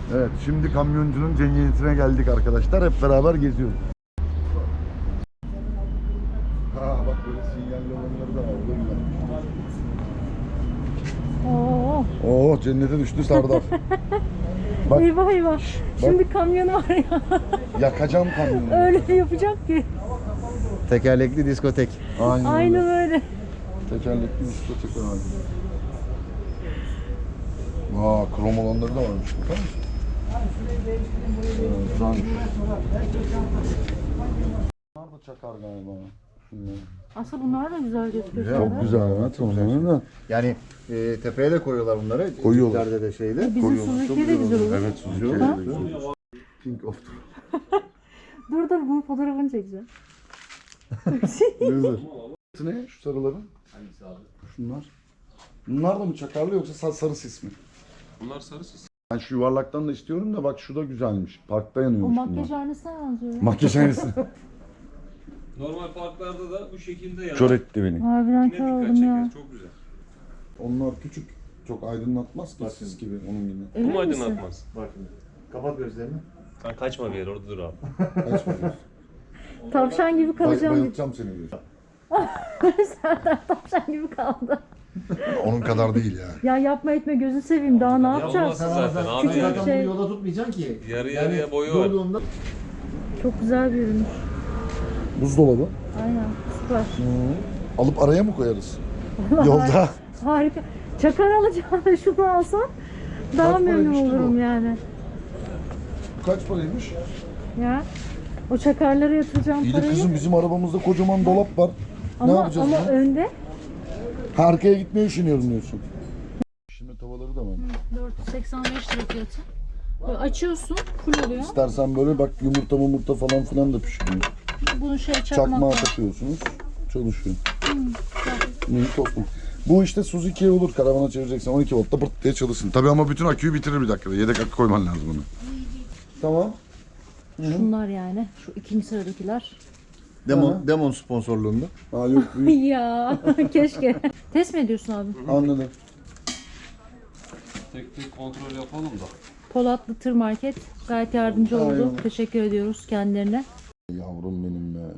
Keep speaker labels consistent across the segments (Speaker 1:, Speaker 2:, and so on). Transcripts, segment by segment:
Speaker 1: Evet, şimdi kamyoncunun cemiyetine geldik arkadaşlar. Hep beraber geziyoruz. Ha bak böyle sinyalli olanları da var. O da güzel. Oo cennete düştü Sardar. Bak,
Speaker 2: Eyvah eyvah. Şimdi kamyonu var ya.
Speaker 1: yakacağım kamyonu.
Speaker 2: Öyle yapacak ki.
Speaker 3: Tekerlekli diskotek.
Speaker 2: Aynen öyle.
Speaker 1: Tekerlekli diskotek abi. Vaa krom olanları da varmış. Bakar mısın? Güzelmiş. Bunlar da çakar galiba. Şunlar.
Speaker 2: Aslında bunlar da güzel gözüküyor.
Speaker 1: Çok güzel evet onların da.
Speaker 3: Yani tepeye de koyuyorlar bunları.
Speaker 1: Koyuyorlar.
Speaker 3: Jiplerde de şeyde.
Speaker 2: Bizim Suzuki'ye de güzel olur.
Speaker 1: Evet Suzuki'ye de güzel. King of
Speaker 2: Dur bunun fotoğrafını çekeceğim.
Speaker 1: Güzel. Ne şu sarıların?
Speaker 4: Hangisi abi?
Speaker 1: Şunlar. Bunlar da mı çakarlı yoksa sarı sis mi?
Speaker 4: Bunlar sarı sis.
Speaker 1: Ben şu yuvarlaktan da istiyorum da bak şu da güzelmiş. Parkta
Speaker 2: O
Speaker 1: yanıyormuş
Speaker 2: makyaj
Speaker 1: bunlar.
Speaker 2: aynısına benziyor.
Speaker 1: Makyaj aynısı.
Speaker 4: Normal parklarda da bu şekilde yanar.
Speaker 1: Kör etti beni.
Speaker 2: Harbiden
Speaker 4: Yine
Speaker 2: kör
Speaker 4: dikkat
Speaker 2: oldum
Speaker 4: çeker.
Speaker 2: ya.
Speaker 4: Çok güzel.
Speaker 1: Onlar küçük. Çok aydınlatmaz ki sis gibi onun gibi.
Speaker 4: Bu
Speaker 2: Emin
Speaker 4: mu
Speaker 2: misin?
Speaker 4: aydınlatmaz?
Speaker 3: Bak şimdi. Kapat gözlerini.
Speaker 4: Sen kaçma bir yere orada dur abi.
Speaker 1: Kaç bakıyorsun?
Speaker 2: Tavşan gibi kalacağım.
Speaker 1: Bayıltacağım seni diyor.
Speaker 2: Serdar tavşan gibi kaldı.
Speaker 1: Onun kadar değil ya.
Speaker 2: Ya yapma etme gözü seveyim daha ne yapacağız?
Speaker 4: Yapamazsın zaten abi.
Speaker 2: Küçük
Speaker 4: Yani.
Speaker 2: bir şey.
Speaker 3: Yolda tutmayacaksın ki.
Speaker 4: Yarı yarıya boyu var.
Speaker 3: Yolduğunda
Speaker 2: Çok güzel bir ürünmüş.
Speaker 1: Buzdolabı.
Speaker 2: Aynen süper.
Speaker 1: Alıp araya mı koyarız? Yolda.
Speaker 2: Harika. Çakar alacağım şunu alsam daha
Speaker 1: Kaç
Speaker 2: memnun
Speaker 1: paraymış ki
Speaker 2: olurum
Speaker 1: bu?
Speaker 2: yani.
Speaker 1: Kaç paraymış?
Speaker 2: Ya o çakarlara yatıracağım
Speaker 1: İyi de
Speaker 2: parayı.
Speaker 1: kızım bizim arabamızda kocaman dolap var. Ne
Speaker 2: Ama
Speaker 1: yapacağız bunu?
Speaker 2: önde
Speaker 1: Ha, arkaya gitmeyi düşünüyorum diyorsun. Şimdi tavaları da var.
Speaker 2: 485 lira fiyatı. Böyle açıyorsun, full oluyor.
Speaker 1: İstersen böyle bak yumurta falan filan da pişiriyor.
Speaker 2: Bunu
Speaker 1: Çakmağa
Speaker 2: çakmakla.
Speaker 1: takıyorsunuz. Çalışıyor. İyi toplum. Bu işte Suzuki'ye olur. Karavana çevireceksen 12 voltta pırt diye çalışsın. Tabii ama bütün aküyü bitirir bir dakikada. Yedek akü koyman lazım bunu. Tamam.
Speaker 2: Şunlar yani. Şu ikinci sıradakiler.
Speaker 3: Demon sponsorluğunda.
Speaker 1: Ha yok büyük.
Speaker 2: Ya keşke. Test mi ediyorsun abi?
Speaker 1: Anladım.
Speaker 4: Tek tek kontrol yapalım da.
Speaker 2: Polatlı Tır Market gayet yardımcı oldu.
Speaker 1: Aynen.
Speaker 2: Teşekkür ediyoruz kendilerine.
Speaker 1: Yavrum benim be.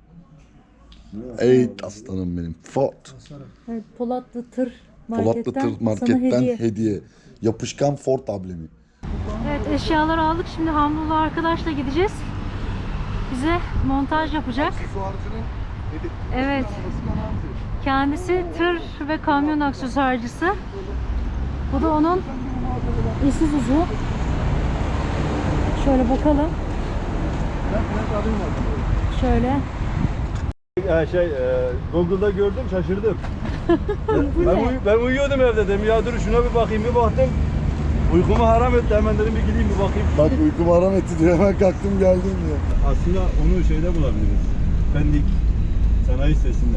Speaker 1: Ey aslanım benim. Ford.
Speaker 2: Evet, Polatlı Tır
Speaker 1: Polatlı
Speaker 2: Market'ten,
Speaker 1: Tır
Speaker 2: sana
Speaker 1: Market'ten
Speaker 2: hediye.
Speaker 1: hediye. Yapışkan Ford ablemi.
Speaker 2: Evet eşyaları aldık. Şimdi Hamdullah arkadaşla gideceğiz. Bize montaj yapacak. Evet. Kendisi tır ve kamyon aksesuarcısı. Bu da onun Isuzu'su. Şöyle bakalım. Şöyle.
Speaker 5: Google'da gördüm şaşırdım.
Speaker 2: Bu ne?
Speaker 5: Ben uyuyordum evde dedim ya dur şuna bir bakayım bir baktım. Uykumu haram etti hemen dedim bir gideyim bir bakayım.
Speaker 1: Bak uykumu haram etti diyor. Hemen kalktım geldim diyor.
Speaker 5: Aslında onu şeyde bulabiliriz. Pendik sanayi sitesinde.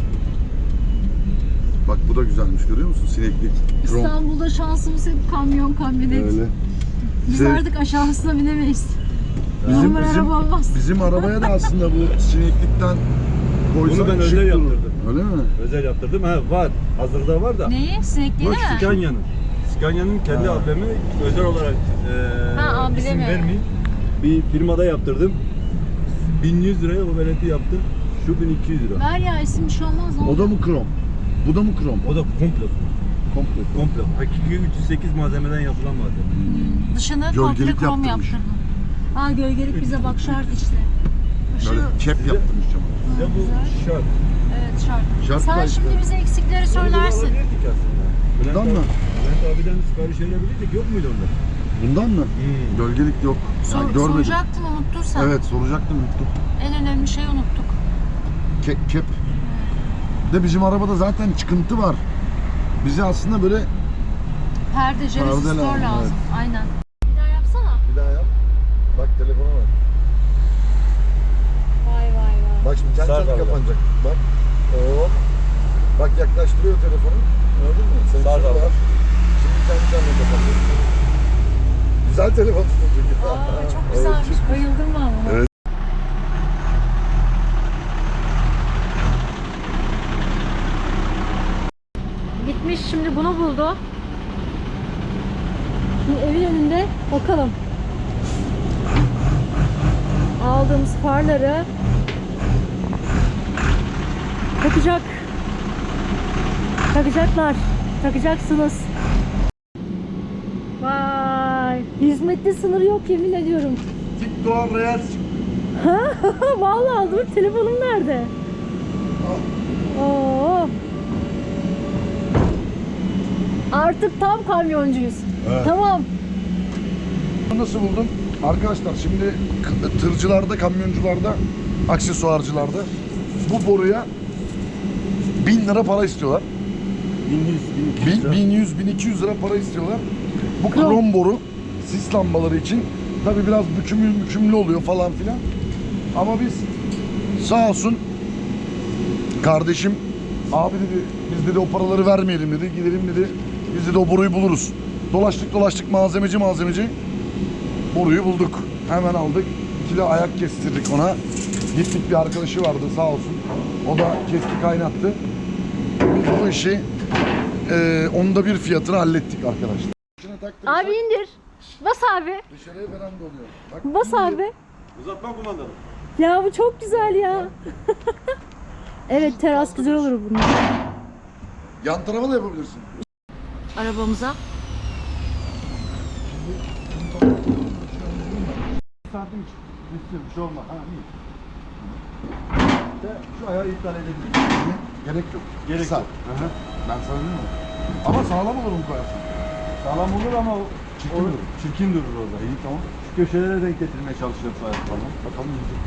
Speaker 1: Bak bu da güzelmiş görüyor musun? Sineklik. Krom.
Speaker 2: İstanbul'da şansımız hep kamyon, kamyonet.
Speaker 1: Öyle.
Speaker 2: Biz
Speaker 1: Şey-
Speaker 2: artık aşağısına binemeyiz.
Speaker 1: Bizim,
Speaker 2: Normal araba olmaz.
Speaker 1: bizim arabaya da aslında bu sineklikten koysan
Speaker 5: Bunu ben
Speaker 1: şık
Speaker 5: özel
Speaker 1: durur.
Speaker 5: yaptırdım.
Speaker 1: Öyle mi?
Speaker 5: Özel yaptırdım. Ha var. Hazırda var da.
Speaker 2: Neyi? Sinekliği
Speaker 5: Bu
Speaker 2: mi?
Speaker 5: Scania'nın. Scania'nın kendi
Speaker 1: Ha.
Speaker 5: ablemi özel olarak
Speaker 2: Ha, ablemi.
Speaker 5: isim vermeyeyim. Bir firmada yaptırdım. 1100 liraya o veleti yaptım. Şu 1200 lira.
Speaker 2: Ver ya isim bir şey olmaz.
Speaker 1: O da mı krom? Bu da mı krom?
Speaker 5: O da komple.
Speaker 1: Komple.
Speaker 5: Komple. Hakiki 308 malzemeden yapılan malzeme.
Speaker 2: Dışını
Speaker 1: Gölgelik
Speaker 2: komple krom
Speaker 1: yaptırmış.
Speaker 2: yaptırdım. Ha gölgelik bize bak şart işte.
Speaker 1: Böyle kep yaptırmış cama.
Speaker 5: Size bu şart.
Speaker 2: Evet şart.
Speaker 1: Şart
Speaker 2: Sen
Speaker 1: da işte.
Speaker 2: şimdi bize eksikleri söylersin.
Speaker 5: Alabilirdik aslında.
Speaker 1: Bundan mı?
Speaker 5: Bülent abiden sipariş verebilirdik. Yok muydu onda?
Speaker 1: Bundan mı? Gölgelik yok. Yani görmedim.
Speaker 2: Soracaktın unuttun sen.
Speaker 1: Evet soracaktım unuttum.
Speaker 2: En önemli şeyi unuttuk.
Speaker 1: Kep. De bizim arabada zaten çıkıntı var. Bize aslında böyle
Speaker 2: Perde,
Speaker 1: Perde
Speaker 2: resistor
Speaker 1: lazım,
Speaker 2: lazım. Aynen. Bir daha yapsana.
Speaker 1: bir daha yap. Bak telefona bak.
Speaker 2: Vay vay vay.
Speaker 1: Bak şimdi kendi
Speaker 5: Sar
Speaker 1: kendine
Speaker 5: abi.
Speaker 1: kapanacak. Bak. Hop. Bak yaklaştırıyor telefonu. Gördün mü? Sensör
Speaker 5: Sar abi.
Speaker 1: var. Şimdi kendi kendine kapanacak. Güzel telefon tutuyor.
Speaker 2: Aa, çok güzelmiş. Bayıldım ben buna.
Speaker 1: Evet.
Speaker 2: Gitmiş şimdi bunu buldu. Şimdi evin önünde bakalım. Aldığımız farları takacaklar. Takacaksınız. Vay! Hizmette sınır yok yemin ediyorum.
Speaker 1: TikTok Reels.
Speaker 2: Vallahi dur, telefonum nerede? Oo. Artık tam kamyoncuyuz.
Speaker 1: Evet.
Speaker 2: Tamam.
Speaker 1: Nasıl buldun? Arkadaşlar şimdi tırcılarda, kamyoncularda, aksesuarcılarda bu boruya 1000 lira para istiyorlar.
Speaker 5: 1100, 1200 lira.
Speaker 1: 1100, 1200 lira para istiyorlar. Bu krom boru sis lambaları için tabi biraz bükümlü oluyor falan filan. Ama biz sağ olsun kardeşim abi dedi, biz dedi o paraları vermeyelim dedi, gidelim dedi, biz dedi o boruyu buluruz. Dolaştık malzemeci boruyu bulduk. Hemen aldık. 2 kilo ayak kestirdik ona. Gittik, bir arkadaşı vardı sağ olsun. O da kesti kaynattı. Biz bu işi onda bir fiyatını hallettik arkadaşlar.
Speaker 2: Abi indir. Bas abi.
Speaker 1: Dışarıya veranda oluyor. Bak,
Speaker 2: Bas abi.
Speaker 5: Uzatma kumandanı.
Speaker 2: Ya bu çok güzel ya. Evet, teras güzel olur bunun.
Speaker 1: yan tarafa da yapabilirsin.
Speaker 2: Arabamıza.
Speaker 5: Santim üstü bir şey olmaz. Ha iyi. İşte şu ayağı iptal edebiliriz.
Speaker 1: Gerek yok.
Speaker 5: Gerek
Speaker 1: Kısa.
Speaker 5: yok. Hı hı.
Speaker 1: Ben sana diyeyim mi? Ama sağlam olur mu koyarsın?
Speaker 5: Sağlam olur ama
Speaker 1: Çirkin durur.
Speaker 5: çirkin durur orada. İyi tamam. Şu köşelere denk getirmeye çalışacağım bu ayak falan.
Speaker 1: Bakalım yiyecek.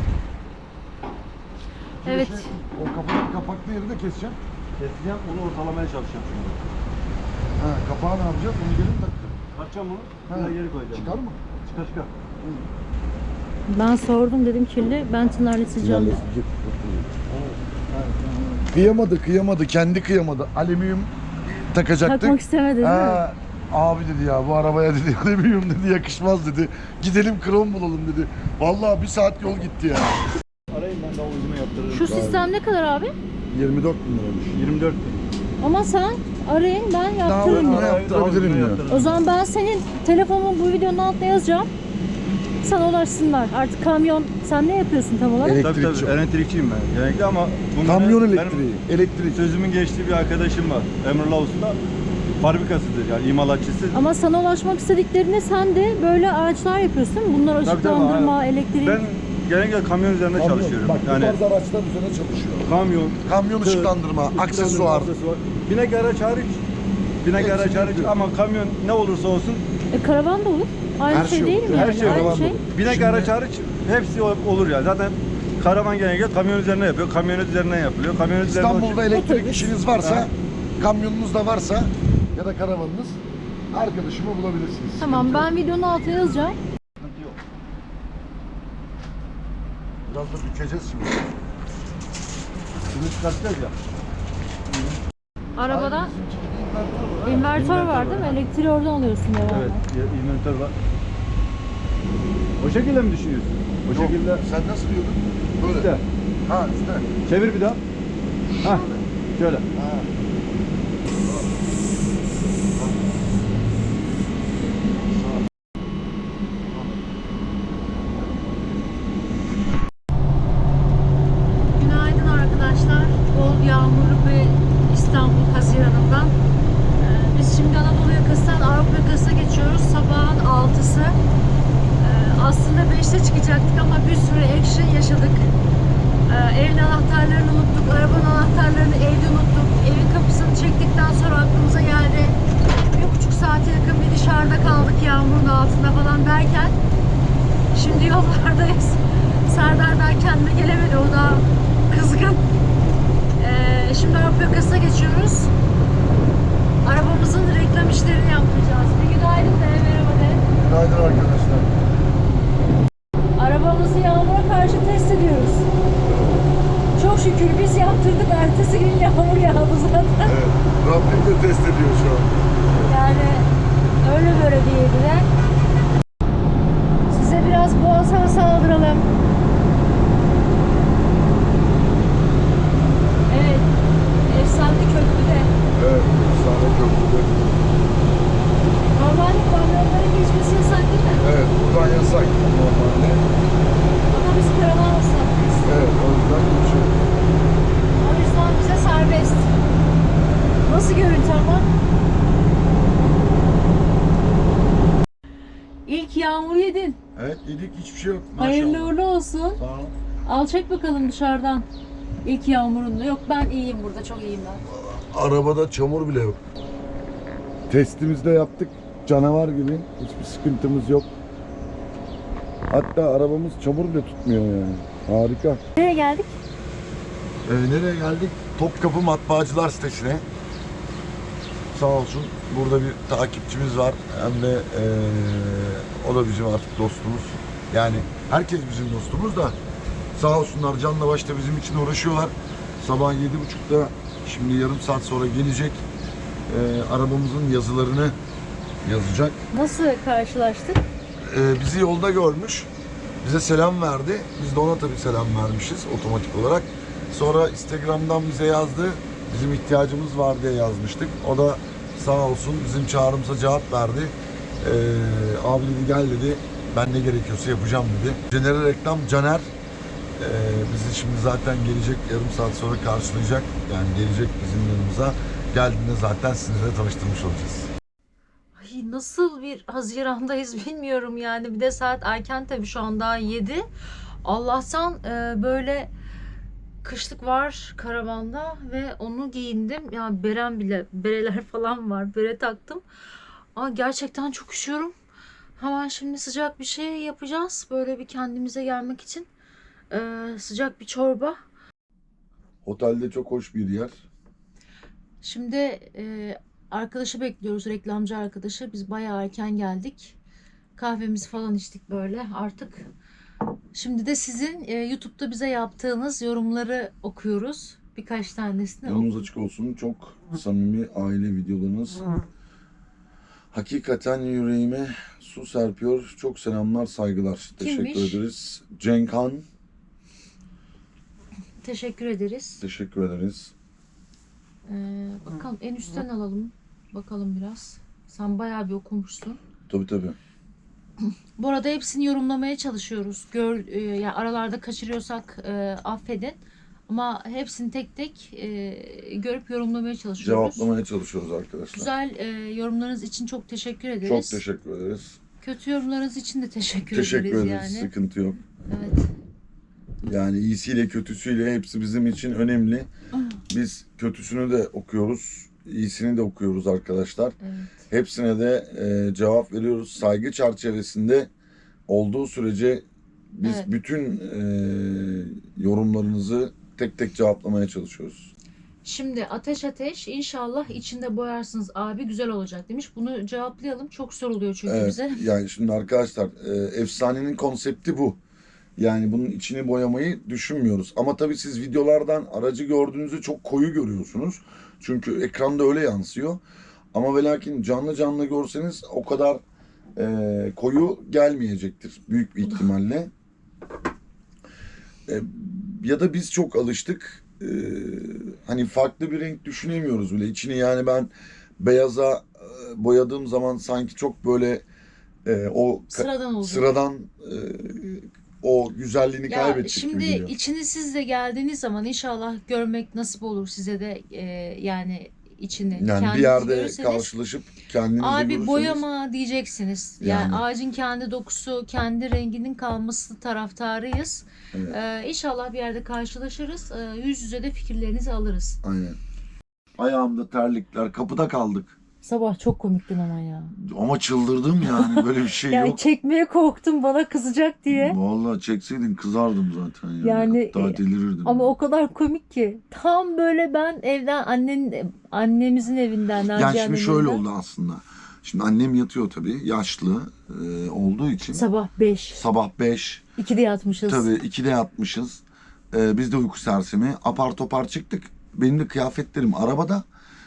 Speaker 2: Evet.
Speaker 1: O kafanın kapaklı yeri de keseceğim.
Speaker 5: Keseceğim, onu ortalamaya çalışacağım şimdi.
Speaker 1: Ha, kapağı ne yapacağız? Onu gelin takacağım.
Speaker 5: Açacağım onu,
Speaker 1: Ha,
Speaker 5: bir geri koyacağım.
Speaker 1: Çıkar mı?
Speaker 5: Çıkar.
Speaker 2: Ben sordum, dedim kirli. Ben tınarlatacağım.
Speaker 1: Kıyamadı. Kendi kıyamadı. Alüminyum takacaktık.
Speaker 2: Takmak istemedi değil mi?
Speaker 1: Ha, abi dedi ya bu arabaya dedi alüminyum dedi yakışmaz dedi. Gidelim krom bulalım dedi. Vallahi 1 saat yol gitti ya.
Speaker 5: Arayın, ben daha ucunu yaptırırım.
Speaker 2: Şu sistem ne kadar abi?
Speaker 1: 24 bin liraymış.
Speaker 5: 24 bin.
Speaker 2: Ama sen arayın, ben yaptırırım.
Speaker 1: Daha
Speaker 2: ya.
Speaker 1: yaptırabilirim ya.
Speaker 2: O zaman ben senin telefonun bu videonun altına yazacağım. Sana ulaşsınlar. Artık kamyon, sen ne yapıyorsun tam olarak?
Speaker 1: Elektrikçi.
Speaker 5: Tabii elektrikçiyim ben genellikle ama
Speaker 1: Kamyon
Speaker 5: benim
Speaker 1: elektriği. Elektrik.
Speaker 5: sözümün geçtiği bir arkadaşım var. Emrullah Usta. Fabrikasıdır yani imalatçısı.
Speaker 2: Ama sana ulaşmak istediklerinde sen de böyle araçlar yapıyorsun değil mi? Bunlar
Speaker 5: Tabii,
Speaker 2: ışıklandırma, elektrik.
Speaker 5: Ben genellikle kamyon üzerinde çalışıyorum.
Speaker 1: Bak
Speaker 5: Yani
Speaker 1: bu tarz araçlar üzerine çalışıyor.
Speaker 5: kamyon,
Speaker 1: Kamyon ışıklandırma, aksesuar.
Speaker 5: Binek araç hariç. Binek
Speaker 1: Hepsini
Speaker 5: araç hariç
Speaker 1: yapıyor.
Speaker 5: ama kamyon ne olursa olsun
Speaker 2: Karavan da olur. Aynı
Speaker 1: Her
Speaker 2: şey,
Speaker 1: şey
Speaker 2: değil
Speaker 1: olur.
Speaker 2: mi?
Speaker 5: her
Speaker 2: yani?
Speaker 5: şey
Speaker 2: Aynı
Speaker 1: karavan
Speaker 2: şey.
Speaker 1: da olur.
Speaker 5: binek
Speaker 1: Şimdi-
Speaker 5: araç hariç hepsi olur yani. Zaten karavan genellikle kamyon üzerine yapıyor. Kamyonet üzerinden yapılıyor. Kamyonet üzerine
Speaker 1: İstanbul'da elektrik
Speaker 2: Otobüs.
Speaker 1: işiniz varsa,
Speaker 5: Ha.
Speaker 1: kamyonunuz da varsa ya da karavanınız arkadaşımı bulabilirsiniz.
Speaker 2: Tamam,
Speaker 1: Sıkıntı yok.
Speaker 2: ben videonun altına yazacağım.
Speaker 1: Biraz da bükeceğiz şimdi.
Speaker 5: Bunu çıkartacağız ya.
Speaker 2: Arabada invertör var değil mi? Elektriği oradan alıyorsun herhalde.
Speaker 5: Evet, inventör var. O şekilde mi düşünüyorsun? O
Speaker 1: Yok,
Speaker 5: şekilde
Speaker 1: sen nasıl diyordun? Böyle.
Speaker 5: üstte.
Speaker 1: Ha üstte.
Speaker 5: Çevir bir daha. Ha, şöyle.
Speaker 1: Ha.
Speaker 2: Günaydın arkadaşlar. Bol yağmurlu bir İstanbul Haziran'ından. Biz şimdi Anadolu yakasından Avrupa yakasına geçiyoruz. Sabahın 6'sı. Aslında 5'te çıkacaktık ama bir sürü action yaşadık. Evin anahtarlarını unuttuk, arabanın anahtarlarını evde unuttuk. Evin kapısını çektikten sonra aklımıza geldi. 1,5 saate yakın bir dışarıda kaldık yağmurun altında falan derken şimdi yollardayız. Serdar ben kendime gelemedi, o da kızgın. Şimdi Avrupa yakasına geçiyoruz. Arabamızın reklam işlerini yaptıracağız. Bir günaydın de, merhaba de.
Speaker 1: Günaydın arkadaşlar.
Speaker 2: Arabamızı yağmura karşı test ediyoruz. Çok şükür biz yaptırdık. Ertesi gün yağmur yağdı zaten.
Speaker 1: Evet. Rabbim de test ediyor şu an.
Speaker 2: Yani öyle böyle değildiler. Size biraz boğaz havası aldıralım. Evet. Efsane köprüde.
Speaker 1: Evet. Efsane köprüde.
Speaker 2: Normalde kamyonların geçmesi yağmur yedin.
Speaker 1: Evet yedik, hiçbir şey yok. Maşallah.
Speaker 2: Hayırlı uğurlu olsun.
Speaker 1: Sağ ol.
Speaker 2: Al çek bakalım dışarıdan. İlk yağmurunda. Yok ben iyiyim burada, çok iyiyim ben.
Speaker 1: Arabada çamur bile yok. Testimizi de yaptık. Canavar gibi. Hiçbir sıkıntımız yok. Hatta arabamız çamur bile tutmuyor yani. Harika.
Speaker 2: Nereye geldik?
Speaker 1: Nereye geldik? Topkapı Matbaacılar sitesine. Sağ olsun burada bir takipçimiz var. Hem de o da bizim artık dostumuz. Yani herkes bizim dostumuz da sağ olsunlar canla başla bizim için uğraşıyorlar. Sabah 7.30'da şimdi yarım saat sonra gelecek. Arabamızın yazılarını yazacak.
Speaker 2: Nasıl karşılaştık?
Speaker 1: Bizi yolda görmüş. Bize selam verdi. Biz de ona tabii selam vermişiz otomatik olarak. Sonra Instagram'dan bize yazdı. Bizim ihtiyacımız var diye yazmıştık. O da sağ olsun bizim çağrımıza cevap verdi. Abi dedi gel dedi. Ben ne gerekiyorsa yapacağım dedi. Caner'e reklam Caner. Bizi şimdi zaten gelecek yarım saat sonra karşılayacak. Yani gelecek bizim yanımıza. Geldiğinde zaten sizinle tanıştırmış olacağız.
Speaker 2: Ay nasıl bir Haziran'dayız bilmiyorum yani. Bir de saat erken tabii, şu an daha 7. Allah'tan böyle kışlık var karavanda ve onu giyindim. Ya berem bile, bereler falan var. Bere taktım. Ama gerçekten çok üşüyorum. Hemen şimdi sıcak bir şey yapacağız. Böyle bir kendimize gelmek için. Sıcak bir çorba.
Speaker 1: Otelde çok hoş bir yer.
Speaker 2: Şimdi arkadaşı bekliyoruz, reklamcı arkadaşı. Biz bayağı erken geldik. Kahvemizi falan içtik böyle artık. Şimdi de sizin YouTube'da bize yaptığınız yorumları okuyoruz. Birkaç tanesini
Speaker 1: Yolunuz açık olsun. Çok samimi aile videolarınız. Hakikaten yüreğime su serpiyor. Çok selamlar, saygılar.
Speaker 2: Kimmiş?
Speaker 1: Teşekkür ederiz. Cenk Han.
Speaker 2: Teşekkür ederiz.
Speaker 1: Teşekkür ederiz.
Speaker 2: Bakalım en üstten alalım. Bakalım biraz. Sen bayağı bir okumuşsun.
Speaker 1: Tabii.
Speaker 2: Bu arada hepsini yorumlamaya çalışıyoruz. Yani aralarda kaçırıyorsak affedin. Ama hepsini tek tek görüp yorumlamaya çalışıyoruz.
Speaker 1: Cevaplamaya çalışıyoruz arkadaşlar.
Speaker 2: Güzel yorumlarınız için çok teşekkür ederiz.
Speaker 1: Çok teşekkür ederiz.
Speaker 2: Kötü yorumlarınız için de teşekkür
Speaker 1: Teşekkür
Speaker 2: ederiz
Speaker 1: ederiz.
Speaker 2: yani.
Speaker 1: Sıkıntı yok.
Speaker 2: Evet.
Speaker 1: Yani iyisiyle kötüsüyle hepsi bizim için önemli. Biz kötüsünü de okuyoruz. İyisini de okuyoruz arkadaşlar.
Speaker 2: Evet.
Speaker 1: Hepsine de cevap veriyoruz. Saygı çerçevesinde olduğu sürece biz
Speaker 2: Evet.
Speaker 1: bütün yorumlarınızı tek tek cevaplamaya çalışıyoruz.
Speaker 2: Şimdi Ateş inşallah içinde boyarsınız abi, güzel olacak demiş. Bunu cevaplayalım. Çok soruluyor çünkü
Speaker 1: Evet,
Speaker 2: bize.
Speaker 1: yani şimdi arkadaşlar efsanenin konsepti bu. Yani bunun içini boyamayı düşünmüyoruz. Ama tabii siz videolardan aracı gördüğünüzde çok koyu görüyorsunuz. Çünkü ekranda öyle yansıyor. Ama ve lakin canlı görseniz o kadar koyu gelmeyecektir büyük bir ihtimalle. Ya da biz çok alıştık. Hani farklı bir renk düşünemiyoruz bile. İçini yani ben beyaza boyadığım zaman sanki çok böyle o
Speaker 2: Sıradan oldu.
Speaker 1: sıradan o güzelliğini
Speaker 2: Ya
Speaker 1: kaybedecek gibi
Speaker 2: şimdi
Speaker 1: geliyor.
Speaker 2: içini siz de geldiğiniz zaman inşallah görmek nasip olur size de yani içini.
Speaker 1: Yani bir
Speaker 2: Kendiniz
Speaker 1: yerde
Speaker 2: görürseniz,
Speaker 1: karşılaşıp kendinizi
Speaker 2: abi
Speaker 1: görürseniz
Speaker 2: boyama diyeceksiniz. Yani
Speaker 1: Yani.
Speaker 2: ağacın kendi dokusu, kendi renginin kalması taraftarıyız.
Speaker 1: Evet.
Speaker 2: İnşallah bir yerde karşılaşırız. Yüz yüze de fikirlerinizi alırız.
Speaker 1: aynen. Ayağımda terlikler, kapıda kaldık.
Speaker 2: Sabah çok komiktin ama ya.
Speaker 1: Ama çıldırdım yani böyle bir şey
Speaker 2: Yani
Speaker 1: yok.
Speaker 2: çekmeye korktum bana kızacak diye.
Speaker 1: Vallahi çekseydin kızardım zaten yani.
Speaker 2: Yani,
Speaker 1: Hatta delirirdim.
Speaker 2: Ama o kadar komik ki. Tam böyle ben evden annemizin evinden,
Speaker 1: Yani
Speaker 2: Naciye
Speaker 1: şimdi
Speaker 2: annemin
Speaker 1: şöyle
Speaker 2: evinden,
Speaker 1: oldu aslında. Şimdi annem yatıyor tabii yaşlı olduğu için.
Speaker 2: sabah 5.
Speaker 1: Sabah 5.
Speaker 2: 2'de yatmışız.
Speaker 1: Tabii 2'de yatmışız. Biz de uyku sersemi. Apar topar çıktık. Benim de kıyafetlerim arabada.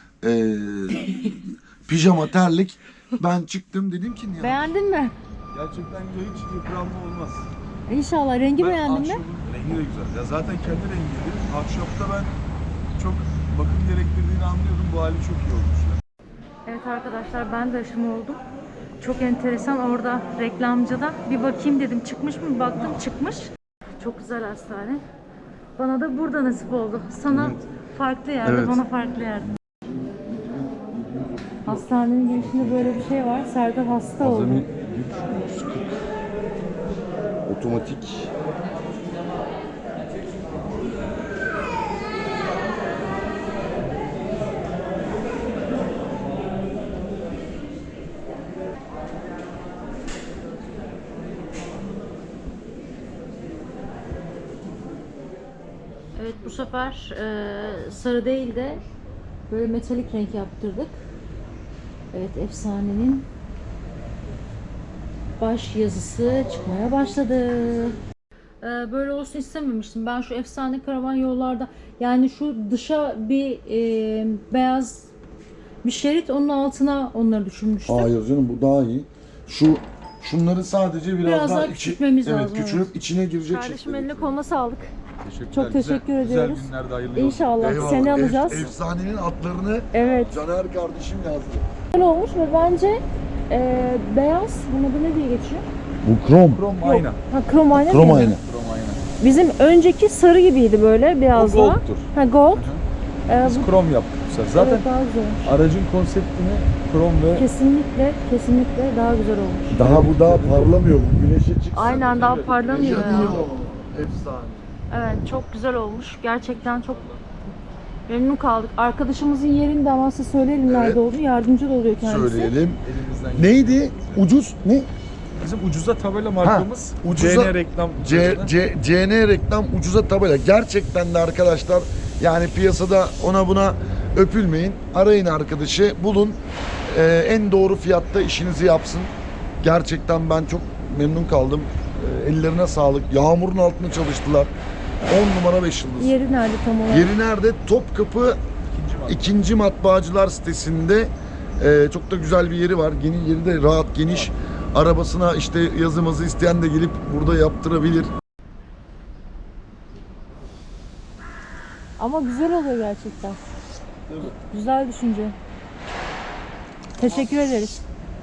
Speaker 1: Pijama, terlik. Ben çıktım dedim ki ya.
Speaker 2: Beğendin mi?
Speaker 5: Gerçekten güzel, hiç yıpranma olmaz.
Speaker 2: İnşallah. Rengi
Speaker 5: Ben
Speaker 2: beğendin mi?
Speaker 5: ahşabın rengi de güzel. Ya zaten kendi rengiydi. Ahşapta ben çok bakım gerektirdiğini anlıyordum. Bu hali çok iyi olmuş.
Speaker 2: Evet arkadaşlar, ben de aşım oldum. Çok enteresan, orada reklamcıda bir bakayım dedim, çıkmış mı, baktım çıkmış. Çok güzel hastane. Bana da burada nasip oldu. Sana
Speaker 1: Evet.
Speaker 2: farklı yerde,
Speaker 1: Evet.
Speaker 2: bana farklı yerde. Hastanenin girişinde böyle bir şey var. Serdar hasta oldu.
Speaker 1: Azami güç 140. Otomatik.
Speaker 2: Evet, bu sefer sarı değil de böyle metalik renk yaptırdık. Evet, efsanenin baş yazısı çıkmaya başladı. Böyle olsun istememiştim. Ben şu efsane karavan yollarda, yani şu dışa bir beyaz bir şerit, onun altına onları düşünmüştüm.
Speaker 1: Hayır canım, bu daha iyi. Şunları sadece biraz
Speaker 2: daha
Speaker 1: içi-
Speaker 2: küçültmemiz
Speaker 1: evet,
Speaker 2: lazım,
Speaker 1: küçülüp
Speaker 2: evet.
Speaker 1: içine girecek
Speaker 2: Kardeşim,
Speaker 1: şekilde.
Speaker 2: eline koluna sağlık.
Speaker 5: Teşekkürler.
Speaker 2: Çok teşekkür ediyoruz.
Speaker 5: Güzel günlerde hayırlı olsun.
Speaker 2: İnşallah
Speaker 1: Eyvallah.
Speaker 2: seni alacağız.
Speaker 1: Efsanenin atlarını
Speaker 2: Evet.
Speaker 1: Caner kardeşim yazdı.
Speaker 2: Güzel olmuş ve bence beyaz, bunun adı ne diye geçiyor?
Speaker 1: Bu krom.
Speaker 5: Krom ayna.
Speaker 2: Ha, krom ayna
Speaker 1: Krom
Speaker 2: mıydı?
Speaker 1: ayna.
Speaker 5: Krom ayna.
Speaker 2: Bizim önceki sarı gibiydi böyle, biraz
Speaker 5: O
Speaker 2: daha.
Speaker 5: gold'tur.
Speaker 2: Ha, gold.
Speaker 5: Biz
Speaker 2: Bu
Speaker 5: krom yaptık bu sefer. Zaten
Speaker 2: evet, daha güzel olmuş.
Speaker 5: aracın konseptini krom ve
Speaker 2: Kesinlikle daha güzel olmuş.
Speaker 1: Daha bu daha parlamıyor. Bu güneşe çıksın.
Speaker 2: Aynen, daha parlamıyor ya.
Speaker 1: Yanıyor. Efsane.
Speaker 2: Evet, çok güzel olmuş. Gerçekten çok memnun kaldık. Arkadaşımızın yerinde ama size söyleyelim nerede
Speaker 1: Evet.
Speaker 2: olduğunu. Yardımcı da oluyor kendisi.
Speaker 1: Söyleyelim.
Speaker 5: elimizden
Speaker 1: Neydi? Ucuz ne?
Speaker 5: Bizim ucuza tabela markamız.
Speaker 1: ucuza-
Speaker 5: CN reklam.
Speaker 1: CN reklam ucuza tabela. Gerçekten de arkadaşlar, yani piyasada ona buna öpülmeyin. Arayın arkadaşı, bulun. En doğru fiyatta işinizi yapsın. Gerçekten ben çok memnun kaldım. Ellerine sağlık. Yağmurun altında çalıştılar. 10 numara 5 yıldız.
Speaker 2: Yeri nerede tam olarak?
Speaker 1: Yeri nerede? Topkapı 2. Matbaacılar sitesinde. Çok da güzel bir yeri var. Yeri de rahat, geniş. Arabasına işte yazımızı isteyen de gelip burada yaptırabilir.
Speaker 2: Ama güzel oluyor gerçekten.
Speaker 5: Evet.
Speaker 2: Güzel düşünce. Teşekkür ederiz.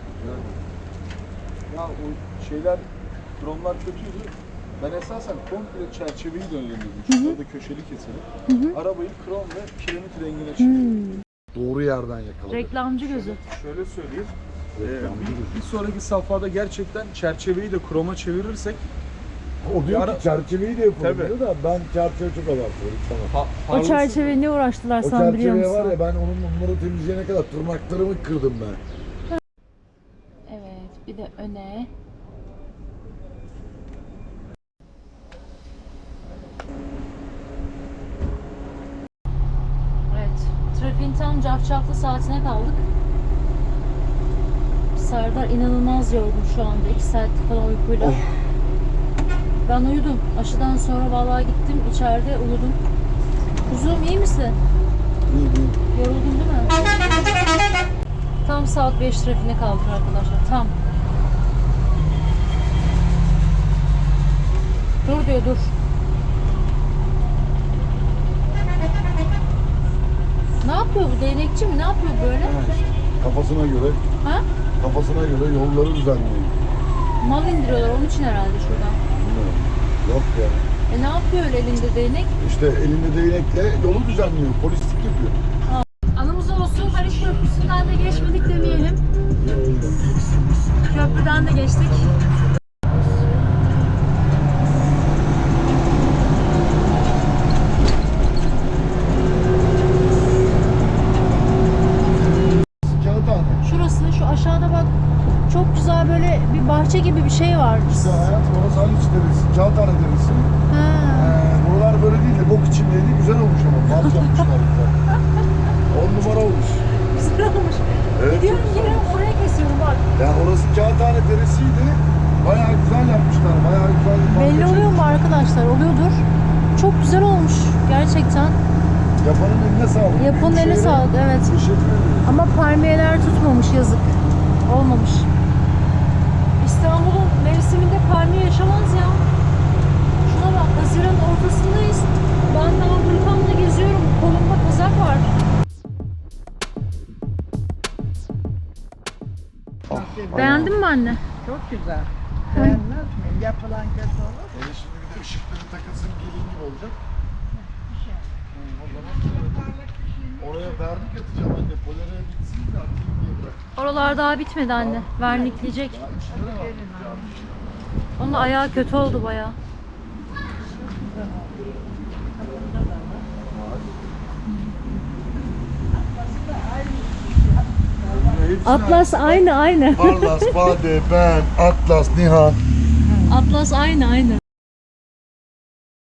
Speaker 5: Ya o şeyler, dronlar kötüydü. Ben esasen komple çerçeveyi döndürdüm. Şurada da köşeli keselim. Arabayı krom ve kiremit rengine çeviriyorum.
Speaker 1: Doğru yerden yakaladık.
Speaker 2: Reklamcı gözü.
Speaker 5: Şöyle söyleyeyim. Bir sonraki safhada gerçekten çerçeveyi de kroma çevirirsek
Speaker 1: O diyor
Speaker 5: Ara-
Speaker 1: ki çerçeveyi de yapalım
Speaker 5: Tabii.
Speaker 1: diyor da ben çerçeve çok abartıyorum. Tamam.
Speaker 2: O çerçeveye ne uğraştılar
Speaker 1: O
Speaker 2: sen biliyor
Speaker 1: çerçeveye
Speaker 2: musun?
Speaker 1: var ya, ben onları temizleyene kadar tırnaklarımı kırdım ben.
Speaker 2: Evet, bir de öne. Evet, trafiğin tam cafcaflı saatine kaldık. Serdar inanılmaz yorgun şu anda, 2 saatlik falan uykuyla. Ben uyudum. Aşıdan sonra vallahi gittim, içeride uyudum. Kuzum, iyi misin?
Speaker 1: İyi iyi.
Speaker 2: Yoruldun değil mi? Tam saat 5 trafiğine kaldık arkadaşlar. Tam. Dur diyor, dur. Ne yapıyor bu? Değnekçi mi? Ne yapıyor böyle?
Speaker 1: Kafasına göre,
Speaker 2: Ha?
Speaker 1: yolları düzenliyor.
Speaker 2: Mal indiriyorlar onun için herhalde şuradan.
Speaker 1: Bilmiyorum. Yok ya.
Speaker 2: Ne yapıyor öyle elinde değnek?
Speaker 1: İşte elinde değnekle yolu düzenliyor. Polislik yapıyor.
Speaker 2: Anımız olsun, Haliç Köprüsü'nden de geçmedik demeyelim. Köprüden de geçtik.
Speaker 1: Kağıthane.
Speaker 2: Şurası, şu aşağıda bak. Çok güzel böyle bir bahçe gibi bir şey var.
Speaker 1: İşte hayat, orası Haliç Deresi, Kağıthane Deresi.
Speaker 2: Ha.
Speaker 1: Buralar böyle değil de bok içindeydi. Güzel olmuş ama. Bant yapmışlar güzel. 10 numara olmuş.
Speaker 2: Güzel olmuş.
Speaker 1: Evet,
Speaker 2: Gidiyorum,
Speaker 1: çok güzel
Speaker 2: geliyorum,
Speaker 1: olmuş.
Speaker 2: oraya kesiyorum bak.
Speaker 1: Ya orası Kağıthane Deresi'ydi. Bayağı güzel yapmışlar. Bayağı güzel bir
Speaker 2: Belli
Speaker 1: bahçe.
Speaker 2: oluyor mu arkadaşlar? Oluyordur. Çok güzel olmuş gerçekten.
Speaker 1: Yapanın eline sağlık.
Speaker 2: Yapanın eline
Speaker 1: Büyükşehir'e
Speaker 2: sağlık, evet.
Speaker 1: Teşekkür ederim.
Speaker 2: Ama palmiyeler tutmamış, yazık. Olmamış. İstanbul'un mevsiminde palmiye yaşamaz ya. Şuna bak, Haziran'ın ortasındayız. Ben daha hırkamla geziyorum. Kolumda kazak var. Beğendin mi anne?
Speaker 6: Çok güzel. Beğenmez miyim? Yapılan kötü olur.
Speaker 1: Şimdi bir de ışıkları takılsın, gelin gibi olacak. O zaman oraya verdik, atacağım anne. Polere bitsin.
Speaker 2: Oralar daha bitmedi anne. Vernikleyecek. Onun ayağı kötü oldu bayağı. Atlas aynı.
Speaker 1: Parlas, Bade, ben, Atlas, Nihan.
Speaker 2: Atlas aynı.